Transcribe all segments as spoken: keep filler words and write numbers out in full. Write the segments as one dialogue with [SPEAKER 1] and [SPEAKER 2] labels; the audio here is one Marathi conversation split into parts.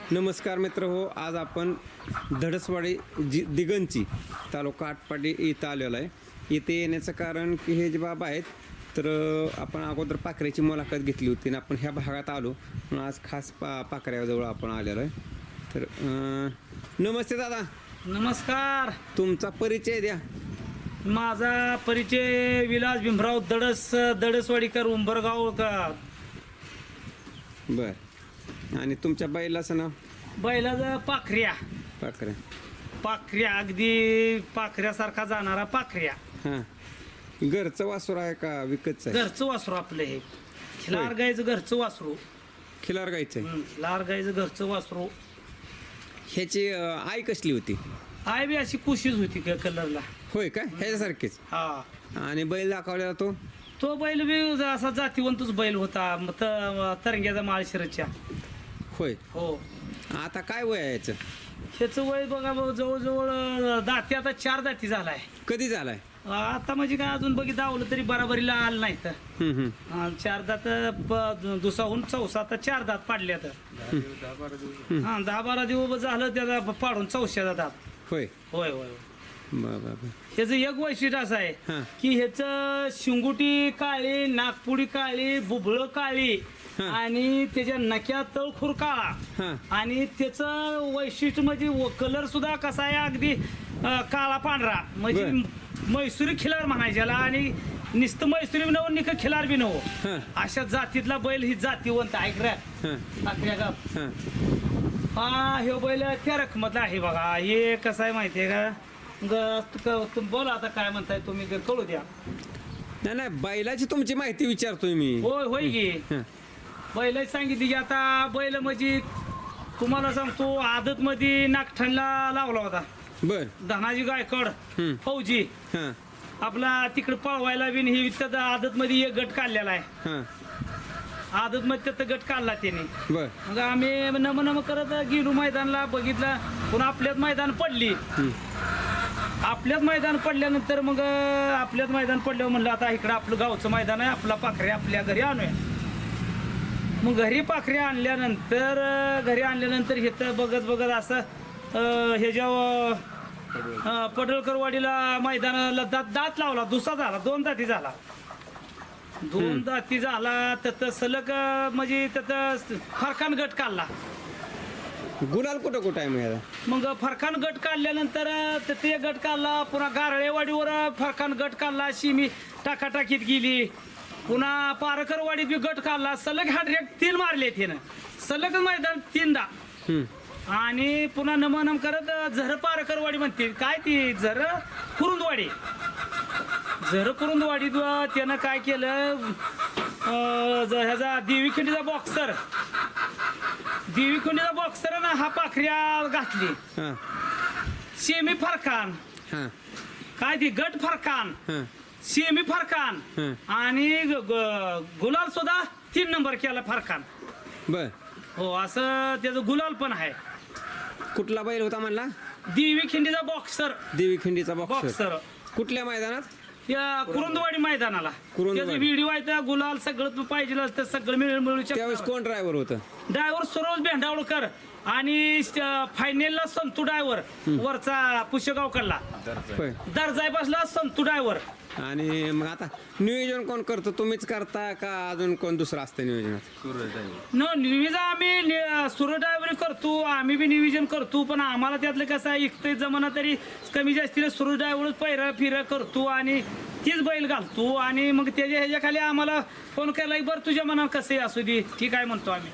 [SPEAKER 1] नमस्कार मित्र हो, आज आपण धडसवाडी जी दिगंची तालुका आटपाडी इथं आलेलो आहे. इथे येण्याचं कारण की हे जे बाबा आहेत तर आपण अगोदर पाखऱ्याची मुलाखत घेतली होती आणि आपण ह्या भागात आलो म्हणून आज खास पा पाखऱ्याजवळ आपण आलेलो आहे. तर अं, नमस्ते दादा.
[SPEAKER 2] नमस्कार.
[SPEAKER 1] तुमचा परिचय द्या.
[SPEAKER 2] माझा परिचय विलास भीमराव दडस दडसवाडीकर उंबरगाव का
[SPEAKER 1] बर. आणि तुमच्या बैलाचं नाव?
[SPEAKER 2] बैलाचं पाखऱ्या.
[SPEAKER 1] पाखऱ्या.
[SPEAKER 2] पाखऱ्या अगदी पाखऱ्यासारखा जाणारा पाखऱ्या.
[SPEAKER 1] हां. घरचं वासुर आहे का विकतचं आहे?
[SPEAKER 2] घरचं वासरू आपलं हे खिलार गायचं घरचं वासरू.
[SPEAKER 1] खिलार गायचं आहे.
[SPEAKER 2] हं, खिलार गायचं घरचं वासरू.
[SPEAKER 1] ह्याची अं, आई कसली होती?
[SPEAKER 2] आय बी अशी कुशीच होती क- कलरला.
[SPEAKER 1] होय का? ह्याच्यासारखीच.
[SPEAKER 2] हा.
[SPEAKER 1] आणि बैल दाखवलेला तो?
[SPEAKER 2] तो बैल बी असा जातीवंतच बैल होता म- त- तरंग्याचा माळशिरच्या.
[SPEAKER 1] होय.
[SPEAKER 2] हो.
[SPEAKER 1] आता काय वय आहे याचं?
[SPEAKER 2] ह्याचं वय बघा भाऊ, जवळजवळ अं, दाती आता चार दाती झालाय.
[SPEAKER 1] कधी झालाय?
[SPEAKER 2] आता म्हणजे काय अजून बघी दावलं तरी बराबरीला आलं नाही तर
[SPEAKER 1] हम्म, हम्म.
[SPEAKER 2] अं, चार दात प- दुसाहून चौसा तर चार दात पाडले तर हा दहा बारा दिवस झालं त्याला पाडून चौशाचा दात.
[SPEAKER 1] होय.
[SPEAKER 2] होय होय.
[SPEAKER 1] बर बर बर.
[SPEAKER 2] ह्याचं एक वैशिष्ट्य असं आहे
[SPEAKER 1] हा.
[SPEAKER 2] की ह्याचं शिंगुटी काळी, नागपुडी काळी, बुबळ काळी
[SPEAKER 1] हा.
[SPEAKER 2] आणि त्याच्या नक्या तळखुर काळा.
[SPEAKER 1] हा.
[SPEAKER 2] आणि त्याचं वैशिष्ट्य म्हणजे कलर सुद्धा कसा आहे अगदी अं, काळा पांढरा म्हणजे
[SPEAKER 1] बर.
[SPEAKER 2] मैसुरी खिलार म्हणायच्याला आणि नुसतं मैसुरी बी नव निक खिलार बी नव
[SPEAKER 1] हा.
[SPEAKER 2] अशा जातीतला बैल ही जातीवंत ऐक रे.
[SPEAKER 1] हा.
[SPEAKER 2] आखऱ्या गाव.
[SPEAKER 1] हा.
[SPEAKER 2] हा हे बैल त्या रकमतला आहे बघा. हे कसं आहे माहितीये का ग- तु- तुम बोला आता काय म्हणताय तुम्ही ते कळू द्या.
[SPEAKER 1] नाही नाही, बैलाची तुमची माहिती विचारतोय मी.
[SPEAKER 2] होय होय की
[SPEAKER 1] हा.
[SPEAKER 2] बैल सांगितली की आता बैल म्हणजे तुम्हाला सांगतो आदत मध्ये नागठणला लावला होता
[SPEAKER 1] बर.
[SPEAKER 2] धनाजी गायकवाड
[SPEAKER 1] हम्म.
[SPEAKER 2] फौजी.
[SPEAKER 1] हा.
[SPEAKER 2] आपला तिकडे पळवायला बी ही त्यात आदत मध्ये एक गट काढलेला आहे.
[SPEAKER 1] हा.
[SPEAKER 2] आदत मध्ये त्यात गट काढला त्याने.
[SPEAKER 1] बर.
[SPEAKER 2] मग आम्ही नम नम करत गेलो मैदानला बघितलं पुन्हा आपल्यात मैदान पडली.
[SPEAKER 1] हम्म.
[SPEAKER 2] आपल्यात मैदान पडल्यानंतर मग अं, आपल्यात मैदान पडल्यावर म्हणलं आता इकडं आपलं गावचं मैदान आहे आपला पाखरे आपल्या घरी आणूया. मग घरी पाखरे आणल्यानंतर अं, घरी आणल्यानंतर हे तर बघत बघत असं अं, हे जेव्हा पडळकरवाडीला मैदानाला दात दात लावला दुसरा झाला दोन दाती झाला दोन दाती झाला त्यात सलग अं, म्हणजे त्यात फरकान गट काढला.
[SPEAKER 1] गुलाल कुठं कुठं आहे मग याला?
[SPEAKER 2] मग फरकान गट काढल्यानंतर अं, ते गट काढला पुन्हा गारळेवाडीवर फरकान गट काढला शिमी टाकाटाकीत गेली पुन्हा पारकरवाडीत बी गट काढला सलग हाडरेक तीन मारले त्यानं सलग मैदान तीनदा.
[SPEAKER 1] हम्म.
[SPEAKER 2] आणि पुन्हा नमनम करत झर पारकरवाडी म्हणते काय ती झर कुरुंदवाडी झर कुरुंदवाडीत त्यानं काय केलं अं, ज- ह्याचा देवी खिंडीचा बॉक्सर देवी खिंडीचा बॉक्सर ना हा पाखऱ्या घातली.
[SPEAKER 1] हा.
[SPEAKER 2] शेमी फरकान
[SPEAKER 1] हा.
[SPEAKER 2] काय ती गट फरकान
[SPEAKER 1] हा.
[SPEAKER 2] शेमी फरकान
[SPEAKER 1] हं.
[SPEAKER 2] आणि ग- ग- गुलाल सुद्धा तीन नंबर केला फरकान.
[SPEAKER 1] बर.
[SPEAKER 2] हो असं त्याचं गुलाल पण आहे.
[SPEAKER 1] कुठला बैल होता म्हणला?
[SPEAKER 2] देवी खिंडीचा बॉक्सर
[SPEAKER 1] देवी खिंडीचा बॉक्सर.
[SPEAKER 2] बॉक्सर
[SPEAKER 1] कुठल्या मैदानात?
[SPEAKER 2] या कुरुंदवाडी मैदानाला
[SPEAKER 1] कुरुंदवाडी.
[SPEAKER 2] त्याचं व्हिडिओ आहे त्या गुलाल सगळं पाहिजे तर सगळं मिळून मिळू
[SPEAKER 1] त्यावेळेस
[SPEAKER 2] शकतो.
[SPEAKER 1] कोण ड्रायव्हर होतं?
[SPEAKER 2] ड्रायव्हर सरोज भेंडावळकर आणि फायनलला संतू ड्रायव्हर वरचा पुष्यगावकडला
[SPEAKER 1] होय.
[SPEAKER 2] दर्जाय बसला संतू ड्रायव्हर.
[SPEAKER 1] आणि मग आता नियोजन कोण करतो? तुम्हीच करता का अजून कोण दुसरं असतं नियोजनात?
[SPEAKER 2] न निविजा आम्ही सुरो ड्रायव्हरी करतो आम्ही बी नियोजन करतो पण आम्हाला त्यातलं कसं आहे इकते जमाना तरी कमी जास्तीला सुरो ड्रायव्हर पैरा फिरा करतो आणि तीच बैल घालतो आणि मग त्याच्या ह्याच्या खाली आम्हाला फोन केला बरं तुझ्या मनात कसं असू दे ठीक आहे म्हणतो आम्ही.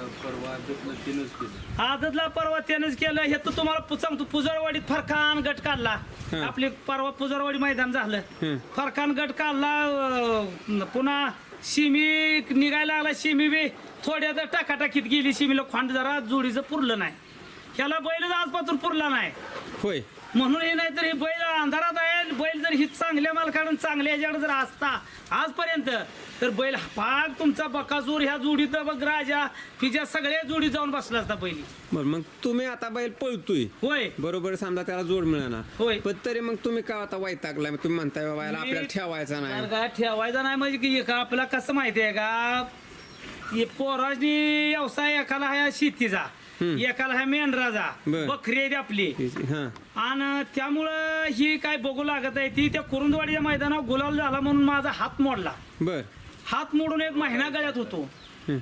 [SPEAKER 2] आदतला परवा त्यानंच केलं हे तर तुम्हाला सांगतो पुजरवाडीत फरकान गट काढला.
[SPEAKER 1] हं.
[SPEAKER 2] आपले परवा पुजरवाडी मैदान झालं
[SPEAKER 1] हं.
[SPEAKER 2] फरकान गट काढला अं, पुन्हा शिमी निघायला लागला शिमी बी थोड्या तर टाकाटाकीत गेली शिमीला खोंड जरा जोडीचं पुरलं नाही ह्याला बैलच आजपासून पुरला नाही.
[SPEAKER 1] होय.
[SPEAKER 2] म्हणून हे नाही तर हे बैल अंधारात आहे बैल जर ही चांगल्या मालकाकडून चांगल्या ह्याच्याकडे जर असता आजपर्यंत तर बैल पाक तुमचा बकासूर ह्या जोडीत बघ राजा हिच्या सगळ्या जोडी जाऊन बसला असता पहिली.
[SPEAKER 1] बरं मग तुम्ही आता बैल पळतोय
[SPEAKER 2] होय
[SPEAKER 1] बरोबर समजा त्याला जोड मिळणार
[SPEAKER 2] होय.
[SPEAKER 1] पण तरी मग तुम्ही का आता वैतागलाय? तुम्ही म्हणताय बाबा याला
[SPEAKER 2] मी-
[SPEAKER 1] आपल्याला ठेवायचा नाही.
[SPEAKER 2] बरं का, ठेवायचा नाही म्हणजे की का आपला कसं माहिती आहे का हे पोराजनी व्यवसाय एखादा आहे शेतीचा एकाला आहे मेंढराजा
[SPEAKER 1] बर.
[SPEAKER 2] बकरी आहे ती आपली
[SPEAKER 1] हा
[SPEAKER 2] आणि त्यामुळं ही काय बघू लागत आहे ती त्या कुरुंदवाडीच्या मैदानावर गुलाल झाला म्हणून माझा हात मोडला.
[SPEAKER 1] बर
[SPEAKER 2] हात मोडून एक महिना गळ्यात होतो.
[SPEAKER 1] हं.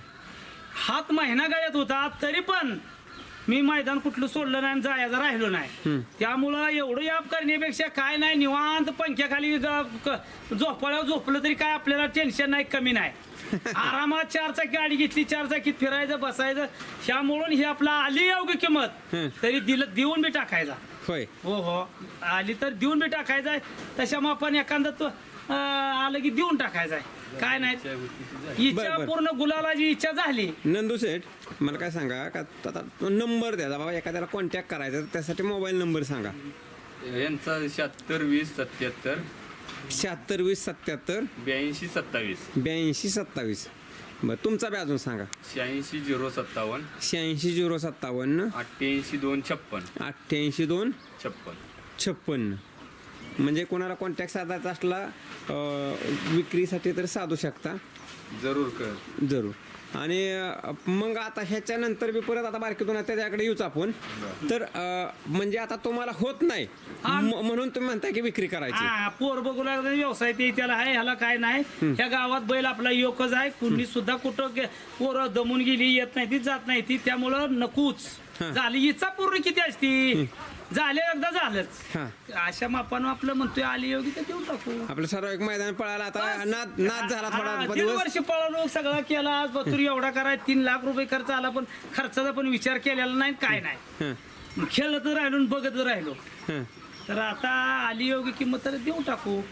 [SPEAKER 2] हात महिना गळ्यात होता तरी पण मी मैदान कुठलं सोडलं नाही आणि जायचं राहिलो नाही.
[SPEAKER 1] हं.
[SPEAKER 2] त्यामुळं एवढं याप करण्यापेक्षा काय नाही निवांत पंख्याखाली ग- क- झोपाळ्यावर झोपलं तरी काय आपल्याला टेन्शन नाही कमी नाही. आरामात चार चाकी गाडी घेतली चार चाकीत फिरायचं बसायचं ह्यामुळं हे आपला आली योग्य किंमत
[SPEAKER 1] हं.
[SPEAKER 2] तरी दिलं देऊन बी टाकायचा.
[SPEAKER 1] होय
[SPEAKER 2] हो हो आली तर देऊन बी टाकायचा तशा मग आपण एखादा तो अं, आलं की देऊन टाकायचा काय नाही इच्छा
[SPEAKER 1] बरं, बरं.
[SPEAKER 2] पूर्ण गुलालाची इच्छा झाली.
[SPEAKER 1] नंदू सेठ मला काय सांगा का आता नंबर द्या बाबा एखाद्याला कॉन्टॅक्ट करायचा तर त्यासाठी मोबाईल नंबर सांगा.
[SPEAKER 3] यांचा शहात्तर वीस सत्याहत्तर
[SPEAKER 1] शहात्तर वीस सत्याहत्तर
[SPEAKER 3] ब्याऐंशी सत्तावीस
[SPEAKER 1] ब्याऐंशी सत्तावीस. बरं तुमचा बी अजून सांगा.
[SPEAKER 3] शहाऐंशी झिरो सत्तावन्न
[SPEAKER 1] शहाऐंशी झिरो सत्तावन्न
[SPEAKER 3] अठ्ठ्याऐंशी दोन छप्पन
[SPEAKER 1] अठ्ठ्याऐंशी दोन
[SPEAKER 3] छप्पन
[SPEAKER 1] छप्पन्न. म्हणजे कोणाला कॉन्टॅक्ट साधायचा असला अं, विक्रीसाठी तर साधू शकता
[SPEAKER 3] जरूर कर
[SPEAKER 1] जरूर. आणि अं, मग आता ह्याच्यानंतर बी परत आता बारकीतून त्याच्याकडे येऊच आपण तर अं, म्हणजे आता तुम्हाला होत नाही म- म्हणून तुम्ही म्हणताय की विक्री करायची.
[SPEAKER 2] हा पोर बघू लागला व्यवसाय ते त्याला आहे ह्याला काय नाही ह्या गावात बैल आपला योकच आहे कुणी सुद्धा कुठं गे- पोरं दमून गेली येत नाही ती जात नाही ती त्यामुळं नकोच
[SPEAKER 1] हा.
[SPEAKER 2] झाली इच्छा पूर्ण किती असती झाले एकदा झालंच.
[SPEAKER 1] हा
[SPEAKER 2] अशा मापानं आपलं म्हणतोय आली योगी तर देऊन टाकू.
[SPEAKER 1] आपलं सर्व एक मैदान पळाला आता नाद नाद झाला
[SPEAKER 2] हा,
[SPEAKER 1] थोडा
[SPEAKER 2] दीड
[SPEAKER 1] दिवस.
[SPEAKER 2] वर्ष पळालो सगळा केला आज बतूर एवढा कराय तीन लाख रुपये खर्च आला पण खर्चाचा पण विचार केलेला नाही काय नाही.
[SPEAKER 1] हं,
[SPEAKER 2] खेळत राहिलो आणि बघत राहिलो
[SPEAKER 1] हं.
[SPEAKER 2] तर आता आली योग्य किंमत तर देऊन टाकू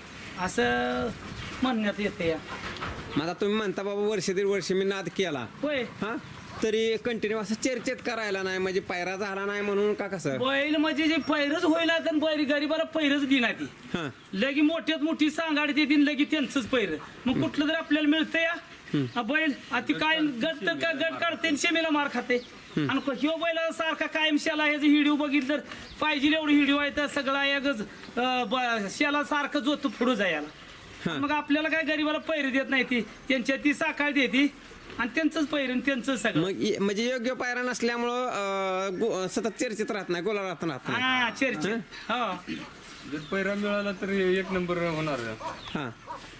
[SPEAKER 2] असं म्हणण्यात येते.
[SPEAKER 1] मग आता तुम्ही म्हणता बाबा वर्ष दीड वर्ष मी नाद केला
[SPEAKER 2] होय
[SPEAKER 1] हा तरी कंटिन्यू असं चर्चेत करायला नाही म्हणजे पायरा झाला नाही म्हणून का कसं.
[SPEAKER 2] बैल म्हणजे जे पैरच होईल तर बैल गरीबाला पैरच दिना ती
[SPEAKER 1] हा
[SPEAKER 2] लगी मोठ्यात मोठी सांगाडी ते दिन लगी त्यांचंच पैर मग कुठलं तर आपल्याला मिळतं या हा बैल आता काय गट तर का गट काढते आणि शेमीला मार खाते आणि ह्यो बैल सारखा कायम शेला ह्याचं व्हिडिओ बघितलं तर पाहिजे एवढं व्हिडिओ आहे तर सगळा एकच अं, ब- शेला सारखं जोत पुढं जायला मग आपल्याला काय गरीबाला पैर देत नाही ती त्यांच्या ती साकाळ देते आणि त्यांचंच पैर आणि त्यांचंच सगळं.
[SPEAKER 1] मग इ- म्हणजे योग्य पायरा नसल्यामुळं अं, गो- सतत चर्चेत राहत नाही गोला राहत राहत नाही.
[SPEAKER 2] हा चर्चा हा
[SPEAKER 3] जर पैरा मिळाला तर एक नंबर होणार.
[SPEAKER 1] हा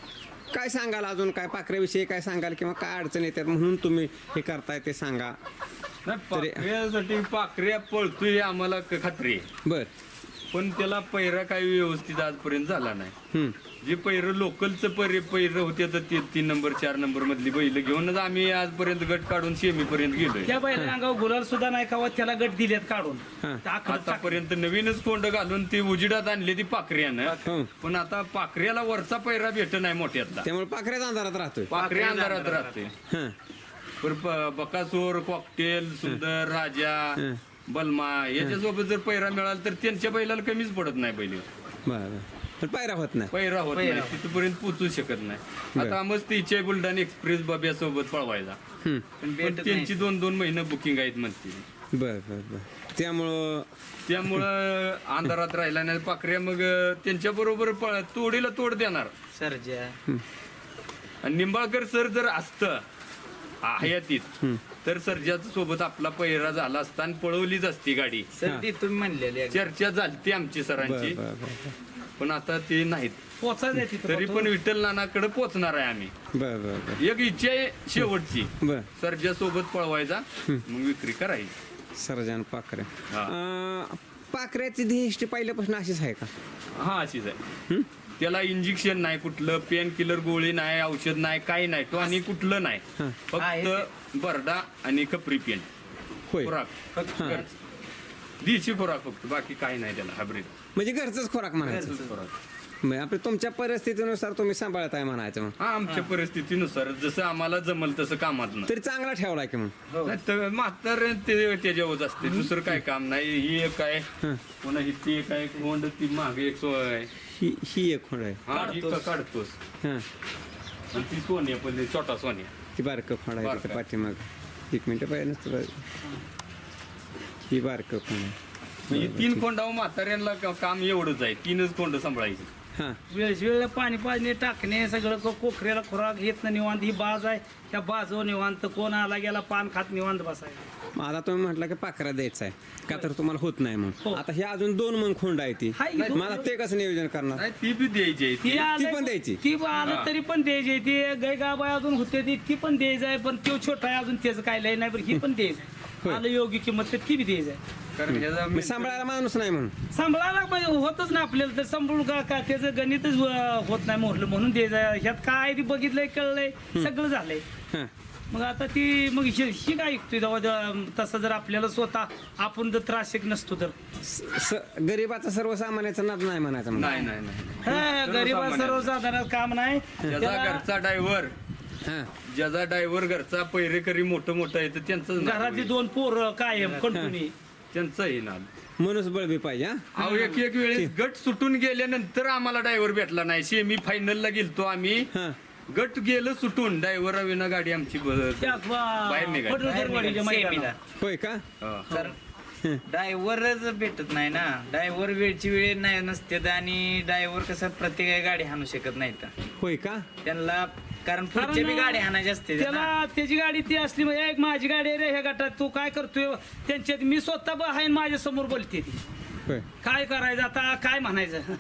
[SPEAKER 1] काय सांगाल अजून काय पाखऱ्याविषयी काय सांगाल किंवा काय अडचण येतात म्हणून तुम्ही हे करताय ते सांगा.
[SPEAKER 3] नाही पाखऱ्यासाठी पाखऱ्या पळतोय हे आम्हाला क- खात्री आहे
[SPEAKER 1] बर
[SPEAKER 3] पण त्याला पैरा काही व्यवस्थित आजपर्यंत झाला नाही.
[SPEAKER 1] हम्म.
[SPEAKER 3] जे पैर लोकलचं पैर पैर होते तर ते तीन नंबर चार नंबर मधली बैल घेऊनच आम्ही आजपर्यंत गट काढून सेमी पर्यंत गेलोय.
[SPEAKER 2] त्या बैला अंगावर गुलाल सुद्धा नाही खावा त्याला गट दिलेत काढून
[SPEAKER 1] हा.
[SPEAKER 2] टाकलं- टाक-
[SPEAKER 3] आतापर्यंत नवीनच कोंड घालून ती उजिडात आणली ती पाखऱ्यानं
[SPEAKER 1] हो.
[SPEAKER 3] पण आता पाखऱ्याला वरचा पैरा भेट नाही मोठ्यातला
[SPEAKER 1] त्यामुळे पाखऱ्याच अंधारात राहतोय.
[SPEAKER 3] पाखऱ्या अंधारात राहते.
[SPEAKER 1] हा
[SPEAKER 3] पर प- बकासूर कॉकटेल सुंदर राजा
[SPEAKER 1] हं.
[SPEAKER 3] बलमा याच्यासोबत जर पैरा मिळाला तर त्यांच्या बैलाला कमीच पडत नाही बैल
[SPEAKER 1] बर बर पण पायरा होत नाही.
[SPEAKER 3] पैरा होत नाही तिथपर्यंत पोचू शकत नाही. आता मस्त इच्छा आहे बुलढाणा एक्सप्रेस बब्या सोबत पळवायचा
[SPEAKER 1] हम्म.
[SPEAKER 3] पण त्यांची दोन दोन महिने बुकिंग आहेत म्हणते.
[SPEAKER 1] बर बर बर त्यामुळं
[SPEAKER 3] त्यामुळं अंधारात राहिला नाही पाखऱ्या मग त्यांच्या बरोबर तोडीला तोड देणार.
[SPEAKER 2] सर्जा
[SPEAKER 3] आणि निंबाळकर सर जर असतं हयातीत तर सर्जाच्या सोबत आपला पहिरा झाला असता आणि पळवलीच असती गाडी.
[SPEAKER 2] सर्दी तुम्ही म्हणलेली
[SPEAKER 3] चर्चा झालती आमची सरांची
[SPEAKER 1] बर बर बर
[SPEAKER 3] पण आता ते नाहीत.
[SPEAKER 2] पोचायचं तिथं
[SPEAKER 3] तरी पण विठ्ठल नानाकडे पोचणार आहे आम्ही.
[SPEAKER 1] बर बर बर
[SPEAKER 3] एक इच्छा आहे शेवटची
[SPEAKER 1] बर
[SPEAKER 3] सर्जा सोबत पळवायचा मग विक्री करायची.
[SPEAKER 1] सर्जन पाखरे
[SPEAKER 3] हा.
[SPEAKER 1] अं, पाखऱ्याची ध्येष्टी पहिल्यापासून अशीच आहे का.
[SPEAKER 3] हा अशीच आहे.
[SPEAKER 1] हं?
[SPEAKER 3] त्याला इंजेक्शन नाही कुठलं पेन किलर गोळी नाही औषध नाही काही नाही तो आणि कुठलं नाही
[SPEAKER 1] हा.
[SPEAKER 3] फक्त बरडा आणि कपरी पेन
[SPEAKER 1] होय
[SPEAKER 3] खुराक फक्त घरचं. देशी खुराक फक्त बाकी काही नाही त्याला हायब्रिड
[SPEAKER 1] म्हणजे घरचंच खोराक म्हणायचं. म्हणजे आपल्या तुमच्या परिस्थितीनुसार तुम्ही सांभाळत आहे म्हणायचं मग.
[SPEAKER 3] हा आमच्या परिस्थितीनुसार जसं आम्हाला जमल तसं कामात
[SPEAKER 1] तरी चांगला ठेवलाय की मग.
[SPEAKER 3] नाही तर म्हातार ते त्याच्यावर असते दुसरं काय काम नाही. ही एक आहे
[SPEAKER 1] हं.
[SPEAKER 3] पुन्हा ही ती एक आहे कोंड ती मागे एक सोय आहे.
[SPEAKER 1] ही ही एक खोड आहे.
[SPEAKER 3] हा ही का काढतोस
[SPEAKER 1] हां
[SPEAKER 3] आणि ती सोनी आहे पण छोटा सोनी
[SPEAKER 1] ती बारकं खोड आहे
[SPEAKER 3] बारकं.
[SPEAKER 1] तिथं पाठीमाग. एक मिनिट पाहिजे नसतं ही बारकं खोड आहे.
[SPEAKER 3] म्हणजे तीन खोंडावर म्हाताऱ्यांना का- काम एवढंच आहे तीनच खोंड सांभाळायची.
[SPEAKER 1] हां
[SPEAKER 2] वेळ वेळेला पाणी पाजणे टाकणे सगळं को- कोकऱ्याला खुराक घेत ना निवांत ही बाज आहे त्या बाजो निवांत कोण आला गेला पान खात निवांत बसायला.
[SPEAKER 1] मग आता तुम्ही म्हटलं की पाखरा द्यायचा आहे का तर तुम्हाला होत नाही
[SPEAKER 2] हो.
[SPEAKER 1] मग आता हे अजून दोन मग खोंड आहे ती
[SPEAKER 2] हाय की
[SPEAKER 1] मग आता ते कसं नियोजन करणार
[SPEAKER 3] नाही ती बी द्यायची आहे
[SPEAKER 2] ती
[SPEAKER 3] ती.
[SPEAKER 2] आलं-
[SPEAKER 1] पण द्यायची?
[SPEAKER 2] ती आलं तरी पण द्यायची ती गाय गाबाय अजून होते ती ती पण द्यायचं आहे पण तो छोटा आहे अजून त्याचं काय लय नाही पण ही पण द्यायचं
[SPEAKER 1] होय.
[SPEAKER 2] आहे आलं योग्य किंमत तर ती बी द्यायचं आहे
[SPEAKER 3] कारण ह्याचा
[SPEAKER 1] मग सांभाळायला माणूस नाही म्हणून
[SPEAKER 2] सांभाळायला पाहिजे होतच नाही आपल्याला तर सांभाळून का का त्याचं गणितच अं, होत नाही मोडलं म्हणून द्यायचं आहे. ह्यात काय ते बघितलंय कळलंय सगळं झालंय
[SPEAKER 1] हां
[SPEAKER 2] मग आता ती मग ही ही काय ऐकतोय जेव्हा जेव्हा तसं जर आपल्याला स्वतः आपण जर त्रासिक नसतो तर
[SPEAKER 1] स- स- गरीबाचा सर्वसामान्याचा नाद नाही म्हणायचं मग
[SPEAKER 3] नाही नाही नाही
[SPEAKER 2] हा गरीबा
[SPEAKER 3] सर्वसामान्य.
[SPEAKER 2] सर्वसाधारण काम नाही
[SPEAKER 3] ज्याचा
[SPEAKER 2] त्याला
[SPEAKER 3] घरचा ड्रायव्हर
[SPEAKER 1] हां
[SPEAKER 3] ज्याचा ड्रायव्हर घरचा पैरेकरी मोठं मोठं आहे तर त्यांचं
[SPEAKER 2] घरातली दोन पोर कायम कंटिन्यू
[SPEAKER 3] त्यांचं हे नाद
[SPEAKER 1] मनुष्यबळ बी पाहिजे हा
[SPEAKER 3] अहो एक एक वेळेस गट सुटून गेल्यानंतर आम्हाला ड्रायव्हर भेटला नाही सेमी फायनलला गेलतो आम्ही
[SPEAKER 1] हां
[SPEAKER 3] गट गेलं सुटून ड्रायव्हर विना गाडी आमची ब-
[SPEAKER 2] त्या
[SPEAKER 3] बाहेर निघाली.
[SPEAKER 2] पडळदरवाडीच्या मैदानात.
[SPEAKER 1] होय का
[SPEAKER 3] हा.
[SPEAKER 4] तर ड्रायव्हरच भेटत नाही ना ड्रायव्हर वेळची वेळ नाही नसते आणि ड्रायव्हर कसं प्रत्येक गाडी हाणू शकत नाही तर
[SPEAKER 1] होय का
[SPEAKER 4] त्यांना कारण पुढच्या बी
[SPEAKER 2] कारण
[SPEAKER 4] गाडी हाणायची असते ना.
[SPEAKER 2] त्याला त्याची गाडी ती असली म्हणजे एक माझी गाडी आहे रे ह्या गटात तू काय करतोय त्यांच्यात मी स्वतः ब- आहे माझ्या समोर बोलते ती
[SPEAKER 1] होय
[SPEAKER 2] काय करायचं आता काय म्हणायचं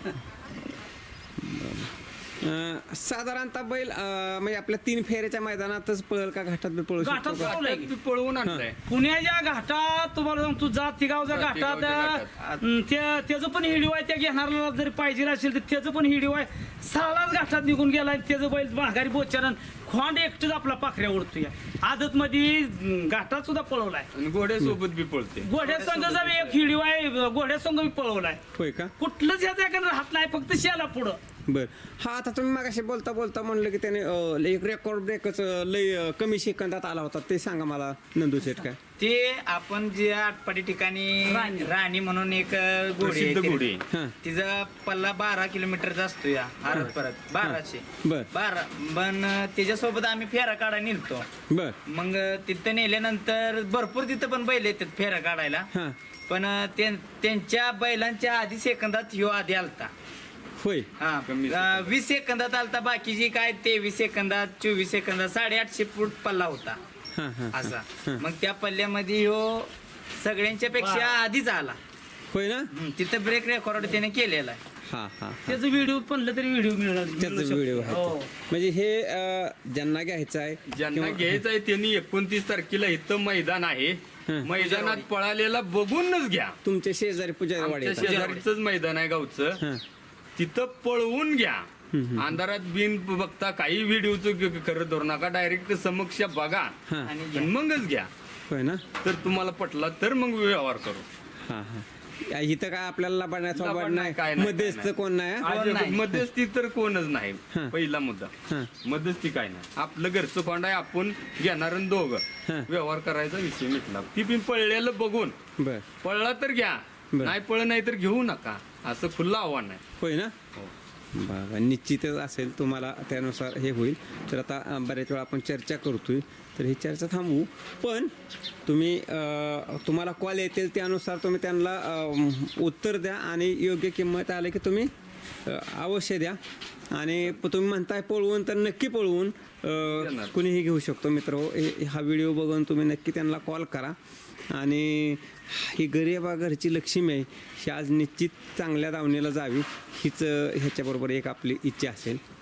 [SPEAKER 1] अं, साधारणतः बैल अं, म्हणजे आपल्या तीन फेऱ्याच्या मैदानातच पळल का घाटात बी पळू
[SPEAKER 2] घाटात
[SPEAKER 1] शकतो का?
[SPEAKER 2] पळवलंय
[SPEAKER 3] ती पळवून आणलाय
[SPEAKER 2] पुण्याच्या घाटात तुम्हाला सांगतो जात तिगावच्या घाटात
[SPEAKER 3] जातिगावच्या
[SPEAKER 2] अं, त्या त्याचं पण हिडिओ आहे त्या घेणाऱ्याला जरी पाहिजे असेल तर त्याचं पण हिडिओ आहे सालाच घाटात निघून गेला आणि त्याचं बैल माघारी बोचारण खोंड एकटंच आपला पाखऱ्या उडतोय आदत मध्ये घाटात सुद्धा पळवलाय
[SPEAKER 3] आणि घोड्यासोबत बी पळते
[SPEAKER 2] घोड्या संघाचा बी एक हिडिओ आहे घोड्या संघ बी पळवलाय
[SPEAKER 1] होय का
[SPEAKER 2] कुठलंच याचा एखादं राहत नाही फक्त शेला पुढं
[SPEAKER 1] बर हा आता तुम्ही मागाशी बोलता बोलता म्हणलं की त्याने अं, एक रेकॉर्ड ब्रेकच लय अं, कमी सेकंदात आला होता ते सांगा मला नंदू शेठ काय
[SPEAKER 4] ते आपण जे आटपाडी ठिकाणी
[SPEAKER 2] राणी.
[SPEAKER 4] राणी म्हणून एक घोडी
[SPEAKER 3] प्रसिद्ध
[SPEAKER 4] आहे.
[SPEAKER 3] घोडी
[SPEAKER 1] हां
[SPEAKER 4] तिचा पल्ला बारा किलोमीटरचा असतो या आरत परत बाराशे
[SPEAKER 1] बर
[SPEAKER 4] बारा पण त्याच्यासोबत आम्ही फेरा काढायला निघतो
[SPEAKER 1] बर
[SPEAKER 4] मग तिथं नेल्यानंतर भरपूर तिथं पण बैल येतात फेरा काढायला
[SPEAKER 1] हां
[SPEAKER 4] पण ते- त्यांच्या बैलांच्या आधी सेकंदात ह्यो आधी आलता
[SPEAKER 1] होय
[SPEAKER 4] हा
[SPEAKER 3] कमी
[SPEAKER 4] अं, वीस सेकंदात आलता बाकीची काय तेवीस सेकंदात चोवीस सेकंदात साडेआठशे फूट पल्ला होता
[SPEAKER 1] हां हां
[SPEAKER 4] असा मग त्या पल्ल्यामध्ये ह्यो सगळ्यांच्या पेक्षा आधीच आला
[SPEAKER 1] होय ना
[SPEAKER 4] हम्म, तिथं ब्रेक रेकॉर्ड त्याने केलेला आहे
[SPEAKER 1] हा हा
[SPEAKER 2] त्याचं व्हिडिओ म्हणलं तरी व्हिडिओ मिळणार
[SPEAKER 1] त्याचा व्हिडिओ आहे
[SPEAKER 2] हो.
[SPEAKER 1] तो. म्हणजे हे अं, ज्यांना घ्यायचं आहे
[SPEAKER 3] ज्यांना
[SPEAKER 1] किंवा-
[SPEAKER 3] घ्यायचं आहे त्यांनी एकोणतीस तारखेला इथं मैदान आहे
[SPEAKER 1] हं.
[SPEAKER 3] मैदानात पळालेला बघूनच घ्या
[SPEAKER 1] तुमचे शेजारी पुजारी वाडी
[SPEAKER 3] आमच्या
[SPEAKER 1] येतात.
[SPEAKER 3] शेजारीच मैदान आहे गावचं
[SPEAKER 1] हां
[SPEAKER 3] तिथं पळवून घ्या अंधारात बिन बघता काही व्हिडिओचं खरं धरू नका डायरेक्ट समक्ष बघा
[SPEAKER 1] हां
[SPEAKER 4] आणि
[SPEAKER 3] आणि मगच घ्या
[SPEAKER 1] होय ना
[SPEAKER 3] तर तुम्हाला पटला तर मग व्यवहार करू
[SPEAKER 1] हा हा या इथं काय आपल्याला लबाडण्याचा
[SPEAKER 3] लबाड
[SPEAKER 1] वाढ
[SPEAKER 3] नाही, काय
[SPEAKER 1] नाही
[SPEAKER 3] नाही,
[SPEAKER 1] मध्यस्थ
[SPEAKER 3] काय नाही.
[SPEAKER 1] कोण नाही हा?
[SPEAKER 3] आज
[SPEAKER 4] नाही.
[SPEAKER 3] मध्यस्थी तर कोणच नाही
[SPEAKER 1] हं.
[SPEAKER 3] पहिला मुद्दा
[SPEAKER 1] हं.
[SPEAKER 3] मध्यस्थी काय नाही आपलं घरचं कोंड आहे आपण घेणार आणि दोघं
[SPEAKER 1] हं.
[SPEAKER 3] व्यवहार करायचा विषय मिटला ती पण पळलेलं बघून
[SPEAKER 1] बर
[SPEAKER 3] पळला तर घ्या
[SPEAKER 1] बरं.
[SPEAKER 3] नाही पळ नाही तर घेऊ नका असं खुलं आव्हान आहे
[SPEAKER 1] होय ना
[SPEAKER 3] हो.
[SPEAKER 1] बाबा निश्चितच असेल तुम्हाला त्यानुसार हे होईल तर आता अं, बऱ्याच वेळा आपण चर्चा करतोय तर ही चर्चा थांबवू पण तुम्ही अं, तुम्हाला कॉल येतील त्यानुसार तुम्ही त्यांना अं, उत्तर द्या आणि योग्य किंमत आले की तुम्ही अं, अवश्य द्या आणि प- तुम्ही म्हणताय पळवून तर नक्की पळवून अं,
[SPEAKER 3] देणार.
[SPEAKER 1] कुणीही घेऊ शकतो मित्र हा व्हिडिओ बघून तुम्ही नक्की त्यांना कॉल करा आणि ही गरिबा घरची लक्ष्मी आहे ही आज निश्चित चांगल्या दावणीला जावी हीच ह्याच्याबरोबर एक आपली इच्छा असेल